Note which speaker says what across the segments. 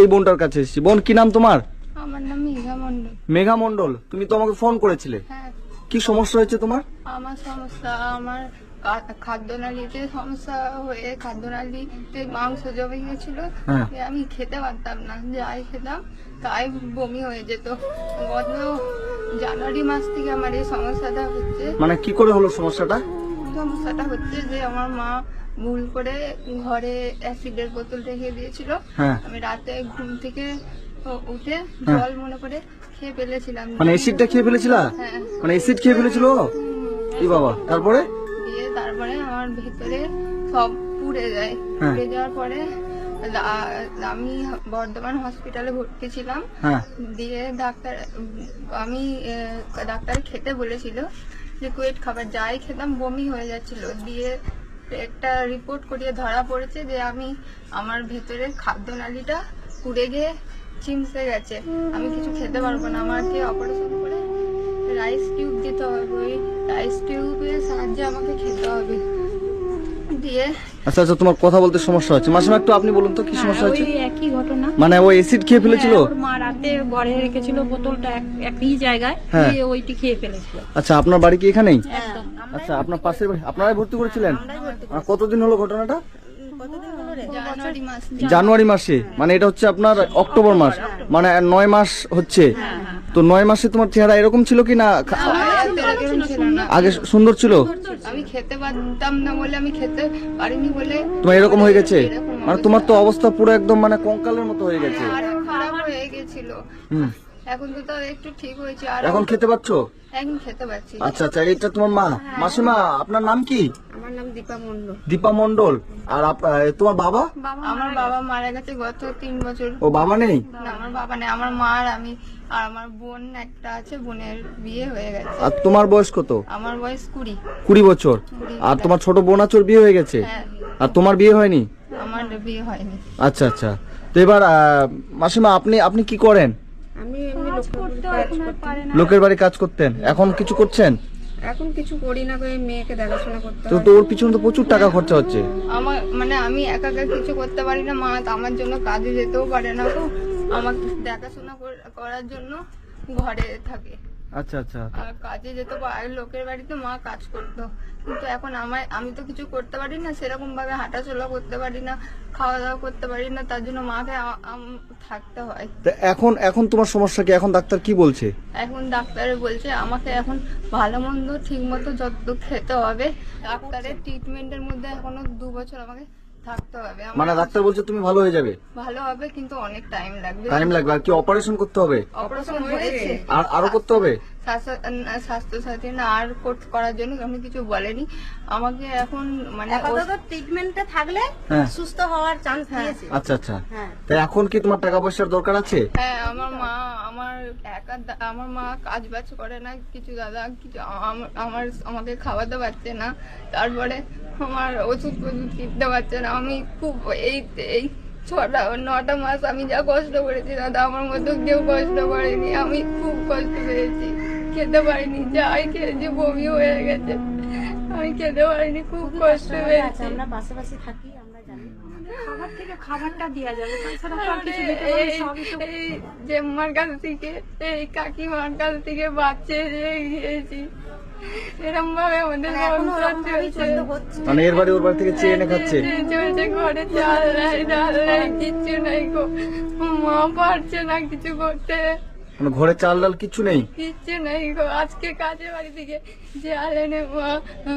Speaker 1: সেই বোনটার কাছে এসেছি। বোন, কি নাম তোমার?
Speaker 2: আমার নাম মেঘা মন্ডল।
Speaker 1: মেঘা মন্ডল, তুমি তো আমাকে ফোন করেছিলে।
Speaker 2: হ্যাঁ,
Speaker 1: কি সমস্যা হয়েছে তোমার?
Speaker 2: আমার সমস্যা, আমার খাদ্যনালীতে সমস্যা হয়ে খাদ্যনালীতে মাংস জমে গেছিল।
Speaker 1: হ্যাঁ।
Speaker 2: আমি খেতে পারতাম না, যাই খেতাম তাই বমি হয়ে যেত। গত জানুয়ারি মাস থেকে আমার এই সমস্যাটা হচ্ছে।
Speaker 1: মানে কি করে হলো সমস্যাটা?
Speaker 2: সমস্যাটা হচ্ছে যে আমার মা ভুল করে ঘরে অ্যাসিডের বোতল রেখে দিয়েছিল।
Speaker 1: হ্যাঁ।
Speaker 2: আমি রাতে ঘুম থেকে উঠে
Speaker 1: হ্যাঁ।
Speaker 2: জল মনে করে খেয়ে ফেলেছিলাম।
Speaker 1: মানে অ্যাসিডটা খেয়ে ফেলেছিলা?
Speaker 2: হ্যাঁ।
Speaker 1: মানে অ্যাসিড খেয়ে ফেলেছিল? কি বাবা, তারপরে?
Speaker 2: তারপরে আমার ভেতরে সব পুড়ে যায়।
Speaker 1: হ্যাঁ।
Speaker 2: পুড়ে যাওয়ার পরে আমি বর্ধমান হসপিটালে ভর্তি ছিলাম।
Speaker 1: হ্যাঁ।
Speaker 2: দিয়ে ডাক্তার খেতে বলেছিল, লিকুইড খাবার যাই খেতাম বমি হয়ে যাচ্ছিল। দিয়ে একটা রিপোর্ট করিয়ে ধরা পড়েছে যে আমার ভেতরে খাদ্যনালীটা পুড়ে গিয়ে চিমসে গেছে, আমি কিছু খেতে পারবো না। আমাকে অপারেশন করে রাইস টিউব দিতে হবে, ওই রাইস টিউবের সাহায্যে আমাকে খেতে হবে। দিয়ে
Speaker 1: আচ্ছা আচ্ছা, তোমার কথা বলতে সমস্যা হচ্ছে। মাসিমা, একটু আপনি বলুন তো কি সমস্যা হচ্ছে?
Speaker 3: ওই একই ঘটনা।
Speaker 1: মানে ওই অ্যাসিড খেয়ে ফেলেছিল?
Speaker 3: হ্যাঁ, ওর মা রাতে ঘরে রেখেছিল বোতলটা একই জায়গায়,
Speaker 1: হ্যাঁ।
Speaker 3: দিয়ে ওইটি খেয়ে ফেলেছিল।
Speaker 1: আচ্ছা, আপনার বাড়ি কি এখানেই?
Speaker 3: একদম।
Speaker 1: আচ্ছা, আপনার পাশের বাড়ি, আপনারাই ভর্তি করেছিলেন? আর কতদিন হলো ঘটনাটা?
Speaker 2: জানুয়ারি মাস।
Speaker 1: জানুয়ারি মাসে, মানে এটা হচ্ছে আপনার অক্টোবর মাস, মানে 9 মাস হচ্ছে। তো 9 মাসে তোমার চেহারা এরকম ছিল কি না?
Speaker 2: এরকম ছিল না।
Speaker 1: আগে সুন্দর ছিল?
Speaker 2: আমি খেতে পারতাম না বলে, আমি খেতে পারিনি বলে
Speaker 1: তোমার এরকম হয়ে গেছে?
Speaker 2: এরকম
Speaker 1: মানে তোমার তো অবস্থা পুরো একদম মানে কঙ্কালের মতো হয়ে গেছে।
Speaker 2: আরো খারাপ হয়ে গেছিল।
Speaker 1: হুম।
Speaker 2: এখন তো তাও একটু ঠিক হয়েছে। আর
Speaker 1: এখন খেতে পাচ্ছো?
Speaker 2: এখন খেতে পাচ্ছি।
Speaker 1: আচ্ছা আচ্ছা, এটা তোমার মা। মাসিমা, আপনার নাম কি?
Speaker 2: আমার নাম দীপা মন্ডল।
Speaker 1: দীপা মন্ডল। আর তোমার বাবা?
Speaker 2: আমার বাবা মারা গেছে গত 3 বছর।
Speaker 1: ও, বাবা নেই?
Speaker 2: না, আমার বাবা নেই। আমার মা আর আমি আর আমার বোন একটা আছে, বোনের বিয়ে হয়ে গেছে।
Speaker 1: আর তোমার বয়স কত?
Speaker 2: আমার বয়স
Speaker 1: 20 বছর। আর তোমার ছোট বোন আছে, ওর বিয়ে হয়ে গেছে?
Speaker 2: হ্যাঁ।
Speaker 1: আর তোমার বিয়ে হয়নি?
Speaker 2: আমার বিয়ে হয়নি।
Speaker 1: আচ্ছা আচ্ছা। তো এবার মাসিমা, আপনি কি করেন?
Speaker 2: আমি এমনি
Speaker 1: লোকের বাড়ি কাজ করতেন, এখন কিছু করছেন?
Speaker 2: এখন কিছু করি না, ওই মেয়েকে দেখাশোনা করতে
Speaker 1: তো তো ওর পিছনে তো প্রচুর টাকা খরচা হচ্ছে।
Speaker 2: আমার মানে আমি একা একা কিছু করতে পারি না। মা তো আমার জন্য কাজে যেতেও পারে না, তো আমাকে দেখাশোনা করার জন্য ঘরে থাকে।
Speaker 1: আচ্ছা আচ্ছা।
Speaker 2: আর কাজে যেত, লোকের বাড়িতে মা কাজ করতো। কিন্তু এখন আমি তো কিছু করতে পারি না, সেরকম ভাবে হাঁটাচলা করতে পারি না, খাওয়া দাওয়া করতে পারি না, তার জন্য মাকে থাকতে হয়।
Speaker 1: তো এখন তোমার সমস্যা কি? এখন ডাক্তার কি বলছে?
Speaker 2: এখন ডাক্তারে বলছে আমাকে এখন ভালো মন্দ ঠিক মতো যত খেতে হবে। ডাক্তারের ট্রিটমেন্টের মধ্যে এখনো 2 বছর আমাকে থাকতে হবে।
Speaker 1: মানে ডাক্তার বলছে তুমি ভালো হয়ে যাবে?
Speaker 2: ভালো হবে, কিন্তু অনেক টাইম লাগবে।
Speaker 1: টাইম লাগবে। আর কি অপারেশন করতে হবে?
Speaker 2: অপারেশন হয়েছে।
Speaker 1: আর আরো করতে হবে?
Speaker 2: স্বাস্থ্যসাথী না আর করার জন্য আমি কিছু বলেনি আমাকে। এখন মানে
Speaker 4: আপাতত ট্রিটমেন্টে থাকলে
Speaker 1: হ্যাঁ।
Speaker 4: সুস্থ হওয়ার চান্স দিয়েছে।
Speaker 1: আচ্ছা আচ্ছা।
Speaker 4: হ্যাঁ।
Speaker 1: তাই এখন কি তোমার টাকা পয়সার দরকার আছে?
Speaker 2: হ্যাঁ, আমার মা কাজ বাজ করে না কিছু, দাদা কিছু আমাকে খাওয়াতে পারছে না। তারপরে আমার ওষুধ কিনতে পারছে না। আমি খুব এই 9টা মাস আমি যা কষ্ট করেছি, দাদা আমার মতো কেউ কষ্ট করেনি। আমি খুব কষ্ট পেয়েছি, খেতে পারিনি, যাই খেয়েছি বমি হয়ে গেছে, আমি খেতে পারিনি, খুব কষ্ট পেয়েছি।
Speaker 4: আমরা পাশাপাশি থাকি, আমরা জানি।
Speaker 3: খাবার থেকে খাবারটা দেওয়া যাবে, তাছাড়া তো আর কিছু দিতে পারবে না, সবই তো।
Speaker 2: এই জেম্মার কাছ থেকে, এই কাকিমার কাছ থেকে বাচ্চা খেয়েছি। এরকম ভাবে আমাদের সংসার চলছে।
Speaker 1: মানে এর বাড়ি ওর বাড়ি থেকে চেয়ে এনে খাচ্ছে?
Speaker 2: চলছে, ঘরে চাল নাই, ডাল নাই, কিচ্ছু নাই গো। মা পারছে না কিছু করতে,
Speaker 1: মানে ঘরে চাল ডাল কিছু নেই?
Speaker 2: কিচ্ছু নাই গো। আজকে কাজে বাড়ি থেকে চাল এনে মা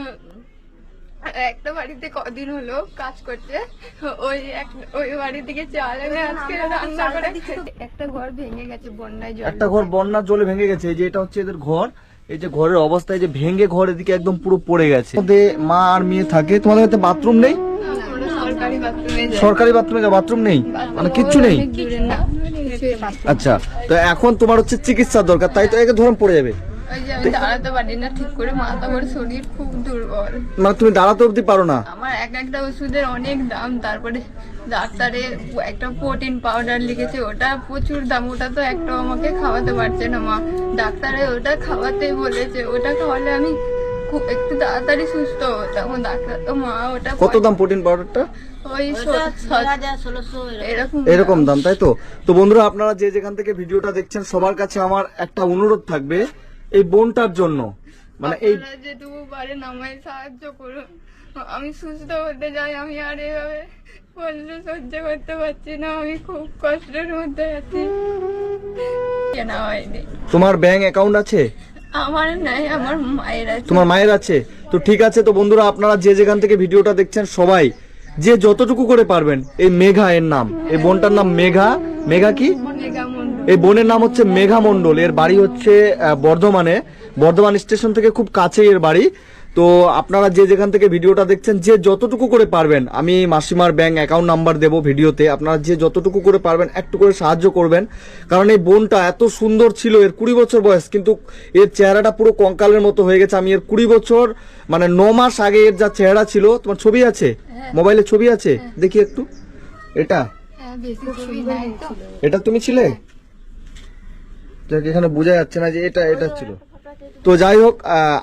Speaker 2: একটা বাড়িতে কদিন হলো কাজ করছে, ওই বাড়ি থেকে চাল এনে আজকে রান্না করে একটা ঘর ভেঙে গেছে বন্যায় জল।
Speaker 1: একটা ঘর বন্যার জলে ভেঙে গেছে। এই যে এটা হচ্ছে এদের ঘর। এই যে ঘরের অবস্থা, এই যে ভেঙে ঘরের দিকে একদম পুরো পড়ে গেছে। মা আর মেয়ে থাকে। তোমাদের হয়তো বাথরুম নেই?
Speaker 2: সরকারি বাথরুমে যায়।
Speaker 1: সরকারি বাথরুমে বাথরুম নেই, মানে কিচ্ছু নেই?
Speaker 2: অনেক দূরে না।
Speaker 1: আচ্ছা, তো এখন তোমার হচ্ছে চিকিৎসার দরকার, তাই তো? একে ধরুন পড়ে যাবে।
Speaker 2: ওই যে আমি দাঁড়াতে পারি না ঠিক করে, মাথা আমার শরীর খুব দুর্বল।
Speaker 1: মানে তুমি দাঁড়াতে অব্দি পারো না?
Speaker 2: আমার একটা ওষুধের অনেক দাম। তারপরে ডাক্তারে একটা প্রোটিন পাউডার লিখেছে, ওটা প্রচুর দাম। ওটা তো একটাও আমাকে খাওয়াতে পারছে না মা। ডাক্তারে ওটা খাওয়াতে বলেছে, ওটা খাওয়ালে আমি খুব একটু তাড়াতাড়ি সুস্থ হতাম। ডাক্তার তো মা ওটা
Speaker 1: কত দাম প্রোটিন পাউডারটা?
Speaker 2: ওই
Speaker 4: 1600
Speaker 2: এরকম
Speaker 1: এরকম দাম, তাই তো? তো বন্ধুরা, আপনারা যে যেখান থেকে ভিডিওটা দেখছেন সবার কাছে আমার একটা অনুরোধ থাকবে এই বোনটার জন্য, মানে এই
Speaker 2: আপনারা যেটুকু পারেন আমায় সাহায্য করুন, আমি সুস্থ হতে যাই। আমি আর এভাবে কষ্ট সহ্য করতে পারছি না, আমি খুব কষ্টের মধ্যে আছি। কেনা হয়নি।
Speaker 1: তোমার ব্যাংক অ্যাকাউন্ট আছে?
Speaker 2: আমার নাই, আমার মায়ের আছে।
Speaker 1: তোমার মায়ের আছে? তো ঠিক আছে। তো বন্ধুরা, আপনারা যে যেখান থেকে ভিডিওটা দেখছেন সবাই যে যতটুকু করে পারবেন, এই মেঘা এর নাম, এই বোনটার নাম মেঘা। মেঘা কি?
Speaker 2: মেঘা মণ্ডল।
Speaker 1: এই বোনের নাম হচ্ছে মেঘা মণ্ডল। এর বাড়ি হচ্ছে বর্ধমানে, বর্ধমান স্টেশন থেকে খুব কাছে এর বাড়ি। তো আপনারা যে যেখান থেকে ভিডিওটা দেখছেন যে যতটুকু করে পারবেন, আমি মাসিমার ব্যাংক অ্যাকাউন্ট নাম্বার দেবো ভিডিওতে, আপনারা যে যতটুকু করে পারবেন একটু করে সাহায্য করবেন। কারণ এই বোনটা এত সুন্দর ছিল, এর 20 বছর বয়স, কিন্তু এর চেহারাটা পুরো কঙ্কালের মতো হয়ে গেছে। আমি এর 20 বছর মানে 9 মাস আগে এর যা চেহারা ছিল, তোমার ছবি আছে মোবাইলে? ছবি আছে, দেখি একটু। এটা
Speaker 2: হ্যাঁ, বেশি ছবি নাই তো।
Speaker 1: এটা তুমি ছিলে? যাক, এখানে বোঝা যাচ্ছে না যে এটা ছিল। তো যাই হোক,